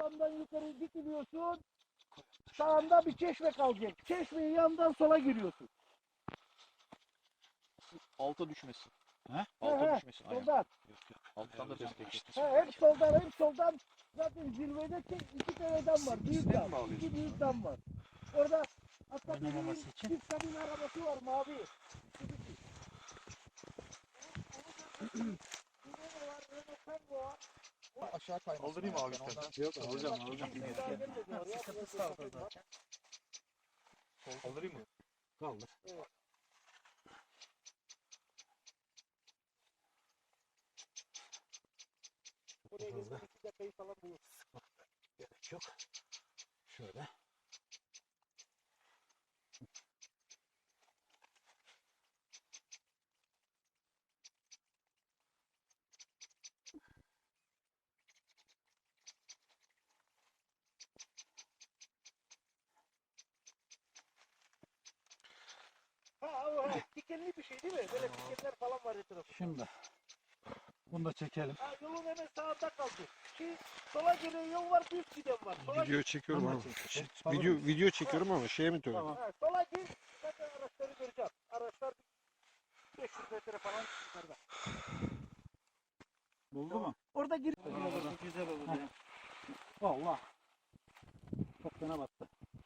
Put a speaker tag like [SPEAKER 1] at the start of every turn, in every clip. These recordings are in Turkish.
[SPEAKER 1] Toplamdan yukarı dikiliyorsun. Sağında bir çeşme kalacak. Çeşmeyi yandan sola giriyorsun.
[SPEAKER 2] Alta düşmesin.
[SPEAKER 3] He?
[SPEAKER 2] Alta düşmesin. Aynen.
[SPEAKER 1] Soldan.
[SPEAKER 2] Alttan da destek.
[SPEAKER 1] Hep soldan, hep soldan. Zaten zirvede iki tane dam var. Büyük
[SPEAKER 2] Sistem
[SPEAKER 1] dam.
[SPEAKER 2] mi alıyorsun?
[SPEAKER 1] İki büyük dam var. Orada hatta
[SPEAKER 3] Oynamaması için.
[SPEAKER 1] bir kabin arabası var mavi.
[SPEAKER 3] Aşağı kaymasın.
[SPEAKER 2] Kaldırayım abi istersen.
[SPEAKER 3] Yok alacağım.
[SPEAKER 1] Sıkıntısı kaldı zaten.
[SPEAKER 2] Kaldırayım mı?
[SPEAKER 3] Kaldır.
[SPEAKER 1] Buraya gelip 2 dakikayı falan bulur.
[SPEAKER 3] Gerek yok. Şöyle.
[SPEAKER 1] Dikenli bir şey değil mi? Böyle dikenler falan var etrafında.
[SPEAKER 3] Şimdi bunu da çekelim.
[SPEAKER 1] Yolun hemen sağında kaldı. Sola gelen yol var, düz giden var. Sola
[SPEAKER 4] Video çekiyorum
[SPEAKER 3] Tamam.
[SPEAKER 4] ama. Video çekiyorum ama şeye mi diyorum?
[SPEAKER 3] Tamam.
[SPEAKER 1] sola gir, zaten araçları göreceğim. Araçlar 500 metre falan yukarıda.
[SPEAKER 3] Buldu mu?
[SPEAKER 1] Orada gir.
[SPEAKER 3] Güzel oldu ya. Allah. Çok fena battı.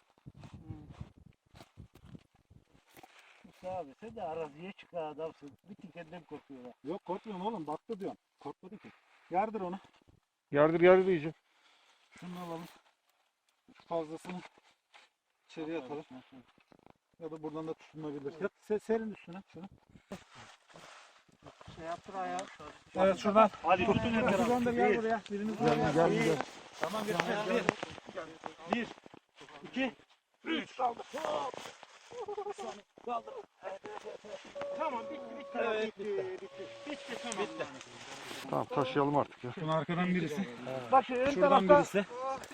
[SPEAKER 1] Musa abi sen de araziye çıkan adamsın. Bir tikenden korkuyorlar.
[SPEAKER 3] Yok korkmuyorum oğlum. Battı diyorum. Korkmadı ki. Yardır onu.
[SPEAKER 4] Yardır diyeceğim.
[SPEAKER 3] Şunu alalım. Şu fazlasını içeriye atalım. Ya da buradan da tutunabilir. Yat serin üstüne şunu.
[SPEAKER 1] Şey yaptır ayağı.
[SPEAKER 3] Evet şuradan.
[SPEAKER 2] Hadi
[SPEAKER 3] Tutun ya. Şuradan da gel buraya. Biriniz buraya.
[SPEAKER 4] Gel.
[SPEAKER 3] Tamam gel. Bir. 2.
[SPEAKER 1] 3 kaldı. Tamam bitti.
[SPEAKER 3] Evet,
[SPEAKER 1] Bitti tamam.
[SPEAKER 4] Tamam taşıyalım artık ya.
[SPEAKER 3] Şunun arkadan birisi.
[SPEAKER 1] Bak ön
[SPEAKER 3] Şuradan
[SPEAKER 1] tarafta.
[SPEAKER 3] birisi.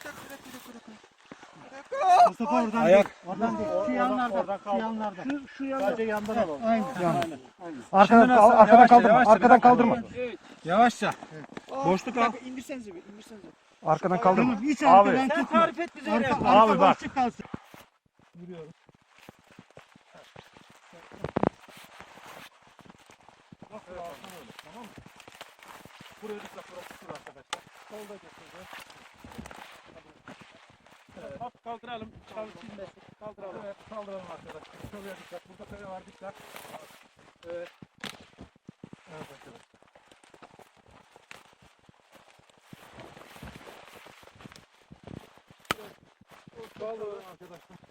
[SPEAKER 3] Mustafa oradan
[SPEAKER 4] Ayak.
[SPEAKER 3] Oradan değil. Şu yanlardan. Şu yanlardan.
[SPEAKER 1] Şu yana.
[SPEAKER 3] Sadece yandan alalım. Aynen.
[SPEAKER 4] Arkadan kaldırma. Arkadan kaldırma.
[SPEAKER 3] Yavaşça. Boşluk al.
[SPEAKER 1] İndirsenize bir.
[SPEAKER 4] Arkadan kaldırma.
[SPEAKER 3] Hiç
[SPEAKER 4] Abi.
[SPEAKER 3] arkadan
[SPEAKER 1] Sen
[SPEAKER 3] tutma.
[SPEAKER 1] tarif et bize.
[SPEAKER 3] Abi bak. Yürüyoruz.
[SPEAKER 1] Nasıl alsan öyle, tamam mı? Buraya dikkat, burası sur arkadaşlar. Solda götüreceğiz. Evet. Kaldıralım. Kaldıralım.
[SPEAKER 3] Evet, kaldıralım arkadaşlar. Şuraya dikkat. Burada kare var dikkat. Evet. Evet arkadaşlar. Kaldıralım arkadaşlar.